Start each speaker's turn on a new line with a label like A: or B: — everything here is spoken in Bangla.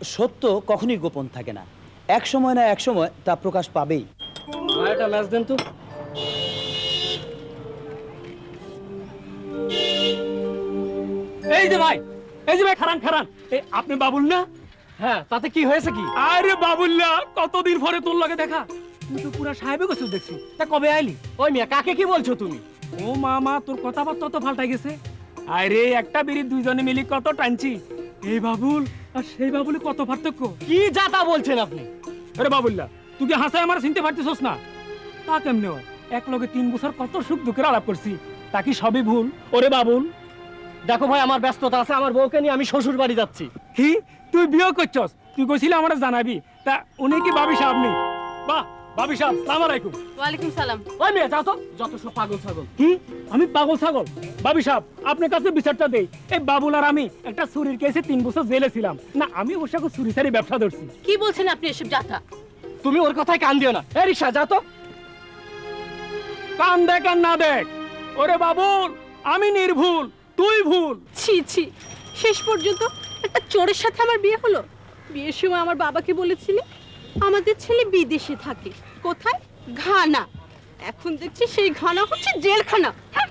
A: সত্য কখনোই গোপন থাকে না, এক সময় না এক সময় তা প্রকাশ পাবেই।
B: ভাইটা ম্যাচ দেন তো।
C: এই যে ভাই, খারান খারান, আপনি বাবুল না?
B: হ্যাঁ, তাতে কি হয়েছে কি?
C: আরে বাবুল্লা, কতদিন পরে তোর লাগে দেখা। তুই তো পুরা সাহেবে গেছিস দেখছি, তা কবে আইলি?
B: ওই মিয়া, কাকে কি বলছো তুমি?
C: ও মামা, তোর কথাবার্তা তো পাল্টাই গেছে। আরে একটা বিড়ি দুইজনে মিলি কত টানছি, এই বাবুল আর সেই বাবুলে কত পার্থক্য।
B: কি যাতা বলছেন আপনি?
C: আরে বাবুল্লা, তুই কি হাসায় আমার চিনতে পারতেছস না? তা কেমনে হয়? এক লগে 3 বছর কত সুখ দুঃখের আলাপ করছি, তা কি সবই ভুল? ওরে বাবুল,
B: দেখো ভাই, আমার ব্যস্ততা আছে, আমার বউকে নিয়ে আমি শ্বশুর বাড়ি যাচ্ছি।
C: কি তুই বিয়ে করছস? তুই কইছিলি আমারে জানাবি, তা উনি কি ভাবি সাহেব নেই? বাহ, ভাবি সাহেব, সালাম আলাইকুম।
D: ওয়ালাইকুম সালাম।
B: ওই মেয়ে, যাও তো, যত সব পাগল ছাগল।
C: কি আমি পাগল ছাগল? ভাবি সাহেব, আপনার কাছে বিচারটা দেই, এই বাবুল আর আমি একটা চুরির কেসে 3 বছর জেলে ছিলাম না, আমি ওর সাথে চুরি সারি ব্যবসা ধরছি।
D: কি বলছেন আপনি এসব যাতা?
B: তুমি ওর কথায় কান দিও না। এই রিকশা, যাও তো।
C: কান দেখ আর না দেখ, ওরে বাবুল, আমি নির্ভুল, তুই ভুল।
D: ছি ছি, শেষ পর্যন্ত একটা চোরের সাথে আমার বিয়ে হলো। বিয়ের সময় আমার বাবাকে বলেছিলি আমাদের ছেলে বিদেশে থাকে। কোথায়? ঘানা। এখন দেখছি সেই ঘানা হচ্ছে জেলখানা।